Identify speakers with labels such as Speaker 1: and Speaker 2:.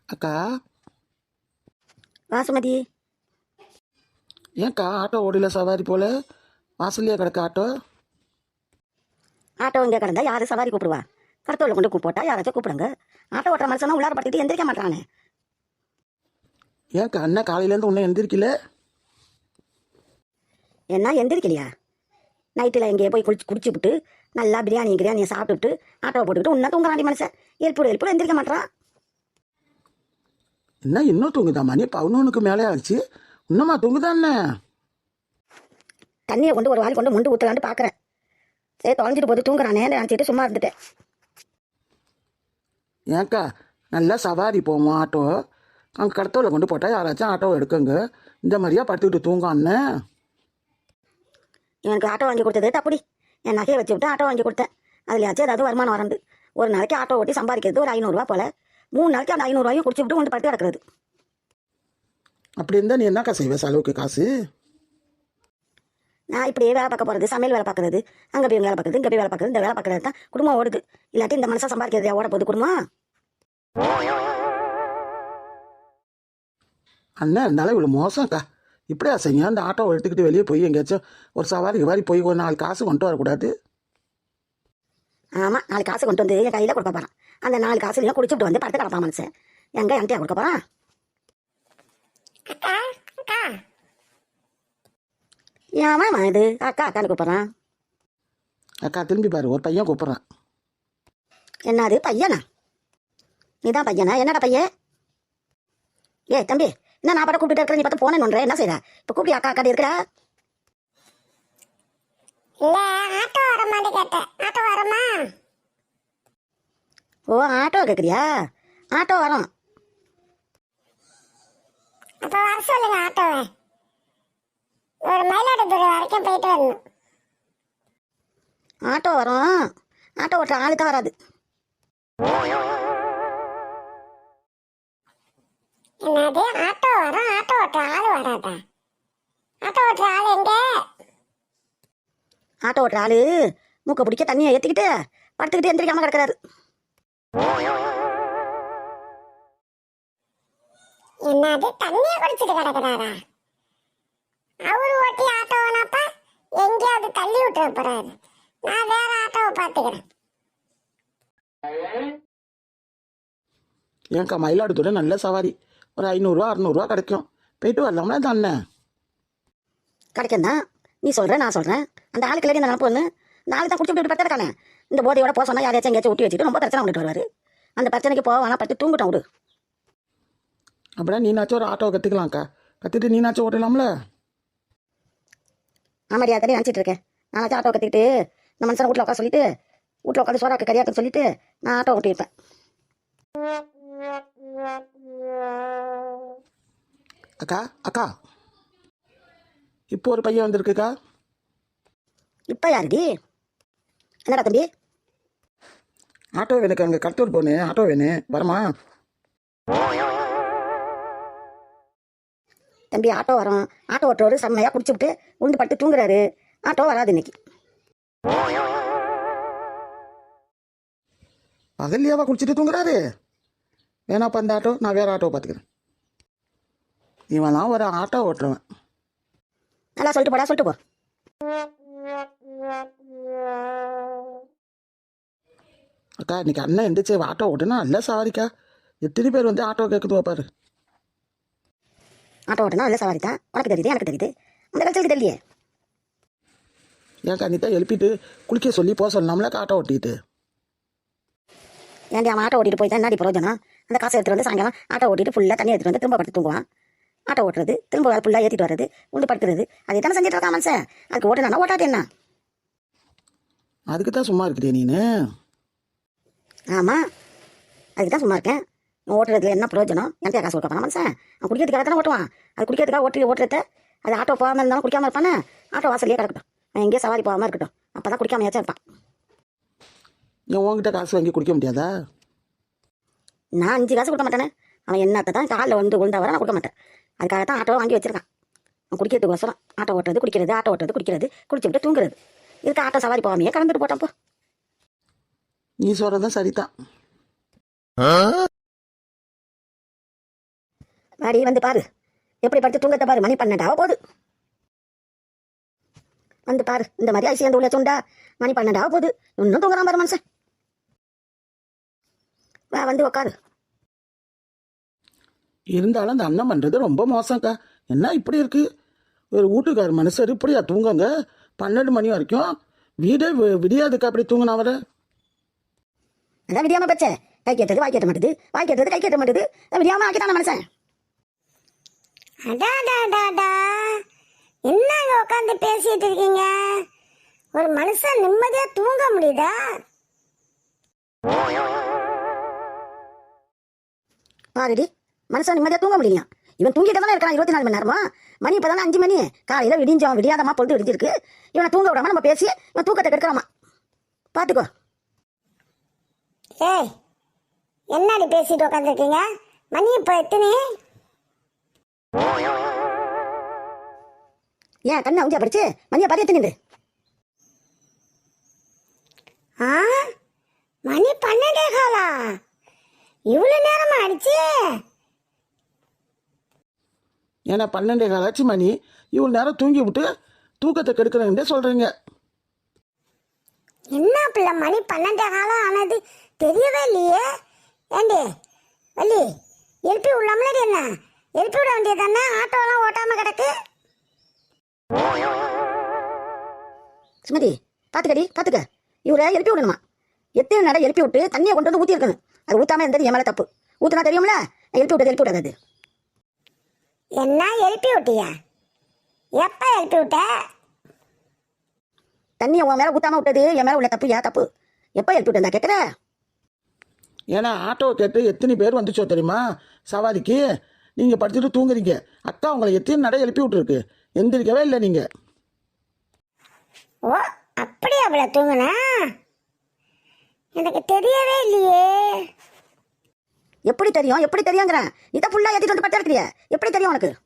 Speaker 1: அக்கா,
Speaker 2: வாசுமதி,
Speaker 1: ஏன்க்கா ஆட்டோ ஓடில சவாரி போல வாசல்லையே கிடக்க ஆட்டோ?
Speaker 2: ஆட்டோ இங்கே கிடந்தா யாரும் சவாரி கூப்பிடுவா? கடத்தோவில் கொண்டு போட்டா யாராச்சும் கூப்பிடுங்க. ஆட்டோ ஓட்டுற மனுஷனா உள்ளார படுத்துட்டு எந்திரிக்க மாட்டானே.
Speaker 1: ஏன்க்கா அண்ணன் காலையிலேருந்து உன்னை எந்திரிக்கல?
Speaker 2: என்ன எந்திரிக்கலையா? நைட்டில் எங்கேயே போய் குடிச்சு விட்டு நல்லா பிரியாணியை சாப்பிட்டுட்டு ஆட்டோவை போட்டுக்கிட்டு உன்ன தூங்குறாண்டி மனுஷன். எழுப்பு எந்திரிக்க மாட்டான்.
Speaker 1: என்ன இன்னும் தூங்குதா? மணி 11க்கு மேலே ஆச்சு, இன்னுமா தூங்குதாண்ணே?
Speaker 2: தண்ணியை கொண்டு ஒரு வாளி கொண்டு முண்டு ஊற்றலான்னு பார்க்குறேன். சரி தொலைஞ்சிட்டு போது தூங்குறானே நினச்சிட்டு சும்மா இருந்துட்டேன்.
Speaker 1: ஏன்க்கா நல்லா சவாரி போவோம் ஆட்டோ, அங்கே கடத்தோவில் கொண்டு போட்டால் யாராச்சும் ஆட்டோ எடுக்குங்க. இந்த மாதிரியா படுத்துக்கிட்டு தூங்க அண்ணன்?
Speaker 2: எனக்கு ஆட்டோ வாங்கி கொடுத்தது தப்புடி. என் நகையை வச்சு விட்டு ஆட்டோ வாங்கி கொடுத்தேன். அதுலையாச்சும் ஏதாவது வருமானம் வரண்டு. ஒரு நாளைக்கு ஆட்டோ ஓட்டி சம்பாதிக்கிறது ஒரு 500 ரூபா போல. 3 நாளைக்கு அந்த 500 ரூபாயும் குடிச்சு விட்டு கொண்டு படுத்து கிடக்கிறது.
Speaker 1: அப்படி இருந்தால் நீ என்னக்கா செய்வே செலவுக்கு காசு?
Speaker 2: நான் இப்படியே வேலை பார்க்க போகிறது, சமையல் வேலை பார்க்குறது, அங்கே போய் வேலை பார்க்குறது, இங்கே போய் வேலை பார்க்குறது, இந்த வேலை பார்க்குறது தான் குடும்பம் ஓடுது. இல்லாட்டி இந்த மனுஷன் சம்பாதிக்கிறது ஓட போகுது குடும்பம்.
Speaker 1: அண்ணன் இருந்தாலும் இவ்வளோ மோசம்க்கா. இப்படியா செய்ய? அந்த ஆட்டோவை எடுத்துக்கிட்டு வெளியே போய் எங்கேயாச்சும் ஒரு சவாரி போய் ஒரு 4 காசு கொண்டு வரக்கூடாது?
Speaker 2: ஆமாம், 4 காசு கொண்டு வந்து என் கையில் கொடுக்க போகிறான். அந்த 4 காசுலையும் குடிச்சுட்டு வந்து படுத்து கிடப்பான் மனுஷன். எங்கே என்கிட்ட கொடுக்க போகிறான்? ஏமா இது அக்கா அக்கான்னு கூப்பிட்றான்?
Speaker 1: அக்கா திரும்பி பாரு, ஒரு பையன் கூப்பிட்றான்.
Speaker 2: என்னது பையனா? நீதான் பையனா? என்னடா பையன்? ஏ தம்பி, என்ன நான் பாட்ட கூப்பிட்டு இருக்கிற, நீ பார்த்து போனேன்னு ஒன்றே என்ன செய்யற? இப்போ கூப்பிட்டு அக்கா அக்கா இருக்கிறா?
Speaker 3: இல்ல, ஆட்டோ வரமான்னு கேட்டேன். ஆட்டோ வரமா?
Speaker 2: ஓ, ஆட்டோ கேட்குறியா? ஆட்டோ வரும்.
Speaker 3: அப்ப வர சொல்லுங்க ஆட்டோவை. ஒரு மயிலாடுதுறை வரைக்கும் போயிட்டு வரணும்.
Speaker 2: ஆட்டோ வரும். ஆட்டோ ஓட்டுற ஆளு தான் வராது.
Speaker 3: என்னது ஆட்டோ வரும், ஆட்டோ ஓட்டுற ஆளு வராதா? ஆட்டோ ஓட்டுற ஆளு எங்க?
Speaker 2: ஆட்டோ ஓட்டுற ஆளு மூக்க பிடிக்க தண்ணியை ஏற்றிக்கிட்டு படுத்துக்கிட்டு எந்திரிக்காம கிடக்குறாரு.
Speaker 3: என்னது தண்ணியை குடிச்சிட்டு கிடக்குறாரா? அவரு ஓட்டி ஆட்டோ வேணாப்பா, எங்கேயாவது தள்ளி விட்டுற போறாரு. நான் வேற ஆட்டோவை பார்த்துக்கிறேன்.
Speaker 1: ஏன்க்கா மயிலாடுதுறை நல்ல சவாரி, ஒரு 500 600 கிடைக்கும். போயிட்டு வரலாம்ல அந்த அண்ணன்?
Speaker 2: கிடைக்கும் தான் நீ சொல்கிற, நான் சொல்கிறேன். அந்த ஆளுக்கு இல்லை இந்த நினப்பு ஒன்று. இந்த ஆளு தான் குடிச்சு விட்டு படுத்து இருக்கானே. இந்த போதையோட போக சொன்னால் யாரையாச்சும் எங்கேயாச்சும் ஊட்டி வச்சுட்டு ரொம்ப பிரச்சனை பண்ணிட்டு வருவார். அந்த பிரச்சனைக்கு போவானா படுத்து தூங்கிட்டோம் விடு.
Speaker 1: அப்படின்னா நீனாச்சும் ஒரு ஆட்டோவை கற்றுக்கலாம்க்கா. கற்றுட்டு நீனாச்சும் ஓட்டலாம்ல?
Speaker 2: ஆமாடியா, தண்ணி நினச்சிட்டு இருக்கேன். நானாச்சும் ஆட்டோ கற்றுக்கிட்டு இந்த மனுஷனை வீட்டில் உட்கார சொல்லிட்டு, வீட்டில் உட்காந்து சோறாக்க கறியாக்குன்னு சொல்லிட்டு நான் ஆட்டோ ஓட்டியிருப்பேன்.
Speaker 1: அக்கா அக்கா, இப்போ ஒரு பையன் வந்திருக்குக்கா.
Speaker 2: இப்போ யாருடி? என்னடா தம்பி?
Speaker 1: ஆட்டோ வேணுக்கு, அங்கே கடத்தூர் போனேன், ஆட்டோ வேணும், வரமா?
Speaker 2: தம்பி ஆட்டோ வரும். ஆட்டோ ஓட்டுறவர் செம்மையாக குடிச்சுவிட்டு உண்டு படுத்து தூங்குறாரு. ஆட்டோ வராது இன்னைக்கு.
Speaker 1: பகல்லையாவா குடிச்சிட்டு தூங்குறாரு? வேணாப்பா அந்த ஆட்டோ, நான் வேறு ஆட்டோ பார்த்துக்கிறேன். இவன்லாம் ஒரு ஆட்டோ ஓட்டுறவன்.
Speaker 2: நல்லா சொல்லிட்டு போடா, சொல்லிட்டு போ.
Speaker 1: அக்கா இன்னைக்கு அண்ணன் எந்திரிச்சு ஆட்டோ ஓட்டுனா நல்ல சவாரிக்கா. எத்தனை பேர் வந்து ஆட்டோ கேட்குது பாரு.
Speaker 2: ஆட்டோ ஓட்டுனா நல்ல சவாரி தான். உனக்கு தெரியுது, எனக்கு தெரியுது. அந்த கல்ச்சலுக்கு தெரியலையே.
Speaker 1: ஏன்க்கா நீ தான் எழுப்பிட்டு குளிக்க சொல்லி போக சொல்லலாம்லக்கா ஆட்டோ ஓட்டிட்டு?
Speaker 2: ஏன்டி அவன் ஆட்டோ ஓட்டிட்டு போய் தான் என்னடி பிரயோஜனம்? அந்த காசை எடுத்துகிட்டு வந்து சாயங்காலம் ஆட்டோ ஓட்டிட்டு ஃபுல்லாக தண்ணி எடுத்துகிட்டு வந்து திரும்ப படுத்து தூங்குவான். ஆட்டோ ஓட்டுறது, திரும்ப ஃபுல்லாக ஏற்றிட்டு வர்றது, உண்டு படுத்துறது, அதே தானே செஞ்சுட்டு இருக்கான் மனுஷன். அதுக்கு ஓட்டுனா ஓட்டாது என்ன?
Speaker 1: அதுக்கு தான் சும்மா இருக்கிறிய நீனு?
Speaker 2: ஆமாம், அதுக்கு தான் சும்மா இருக்கேன். ஓட்டுறதுல என்ன பிரயோஜனம்? என்கிட்ட காசு கொடுக்க போனா மனுஷன்? அவன் குடிக்கிறதுக்காக தானே ஓட்டுவான். அது குடிக்கிறதுக்காக ஓட்டுறத அது ஆட்டோ போகாமல் இருந்தாலும் குடிக்காமல் இருப்பானே. ஆட்டோ வாசல்லையே கிடக்கட்டும், அவன் எங்கேயும் சவாரி போகாமல் இருக்கட்டும். அப்போ தான் குடிக்காமையாச்சும் இருப்பான்.
Speaker 1: நீ உங்ககிட்ட காசு வாங்கி குடிக்க முடியாதா?
Speaker 2: நான் 5 காசு கொடுக்க மாட்டேனே. அவன் என்னத்தை தான் காலில் வந்து விழுந்தா வர நான் கொடுக்க மாட்டேன். அதுக்காக தான் ஆட்டோவை வாங்கி வச்சிருக்கான். அவன் குடிக்கிறதுக்கோசரம் ஆட்டோ ஓட்டுறது குடிக்கிறது, ஆட்டோ ஓட்டுறது குடிக்கிறது, குடிச்சு விட்டு தூங்குறது. இதுக்கு ஆட்டோ சவாரி போகாமையே கிளம்பிட்டு போட்டான் போ.
Speaker 1: நீ சொல்கிறதும் சரிதான்.
Speaker 2: பாடி வந்து பாரு, எப்படி படுத்து தூங்கத்தை பாரு. மணி 12 ஆக போகுது. வந்து பாரு, இந்த மாதிரி ஐசி அந்த உள்ள சொண்டா. மணி 12 ஆக போகுது, இன்னும் தூங்குறான் பாரு மனுஷன். வா வந்து உக்காரு.
Speaker 1: இருந்தாலும் அந்த அண்ணன் பண்ணுறது ரொம்ப மோசம்க்கா. என்ன இப்படி இருக்கு? ஒரு வீட்டுக்கார் மனுஷர் இப்படியா தூங்குங்க 12 மணி வரைக்கும்? வீடே விடியாதுக்கா அப்படி தூங்கினா வர.
Speaker 2: அதான் விடியாம பச்சை. கை கேட்டது வாய் கேட்ட மாட்டுது, வாய் கேட்டது கை கேட்ட மாட்டுது. விடியாம ஆக்கிட்டான மனுஷன்.
Speaker 3: அடாடாடாடா, என்னங்க உட்காந்து பேசிட்டு இருக்கீங்க? ஒரு மனுஷன் நிம்மதியா தூங்க முடியுதா?
Speaker 2: பாருடி, மனுஷன் நிம்மதியா தூங்க முடியலையா? இவன் தூங்கிட்டு தானே இருக்கான் 24 மணி நேரமா. மணி இப்பதானே 5 மணி. காலையில விடிஞ்சோம், விடியாதமா பொழுது விடிஞ்சிருக்கு. இவனை தூங்க விடாம நம்ம பேசி இவன் தூக்கத்தை கெடுக்கலாமா? பாத்துக்கோ.
Speaker 3: ஏய், என்னடி பேசிட்டு உட்காந்துருக்கீங்க? மணி இப்போ எத்தனை?
Speaker 2: ஏன் கண்ணை உஞ்சா படிச்சு மணியை பாதி எத்தனை?
Speaker 3: ஆ, மணி 12 காலா? இவ்வளவு நேரமா ஆயிடுச்சு?
Speaker 1: ஏன்னா 12 காலாச்சு மணி. இவ்வளோ நேரம் தூங்கி விட்டு தூக்கத்தை கெடுக்கிறேன்டே சொல்கிறீங்க.
Speaker 3: என்ன பிள்ளை, மணி 12 காலம் ஆனது தெரியவே இல்லையே. ஏண்டி வள்ளி, எழுப்பி விடலாம்லடி? என்ன எழுப்பி விட வேண்டியது தானே? ஆட்டோலாம் ஓட்டாம கிடக்கு.
Speaker 2: சுமதி, பாத்துக்கடி பாத்துக்க. இவரை எழுப்பி விடணுமா? எத்தனை நடை எழுப்பி விட்டு தண்ணியை கொண்டு வந்து ஊற்றி இருக்கணும். அது ஊத்தாம இருந்தது என் மேல தப்பு. ஊத்துனா தெரியும்ல. எழுப்பி விடாது.
Speaker 3: என்ன எழுப்பி விட்டியா? எப்ப எழுப்பி விட்ட?
Speaker 2: தண்ணியை உன் மேல ஊத்தாம விட்டது என் மேல உள்ள தப்பு. ஏன் தப்பு? எப்ப எழுப்பி விட்டா கேட்குற?
Speaker 1: ஏன்னா ஆட்டோவை கேட்டு எத்தனை பேர் வந்துச்சோ தெரியுமா சவாரிக்கு? நீங்கள் படுத்துட்டு தூங்குறீங்க. அக்கா உங்களை எத்தனை நடை எழுப்பி விட்டுருக்கு, எந்திரிக்கவே இல்லை நீங்கள்.
Speaker 3: ஓ, அப்படி அவளை தூங்குனா? எனக்கு தெரியவே இல்லையே.
Speaker 2: எப்படி தெரியும்? எப்படி தெரியுங்கிறேன். இதை ஃபுல்லா ஏற்றிட்டு வந்து படுத்தா இருக்கிறியா? எப்படி தெரியும் உனக்கு?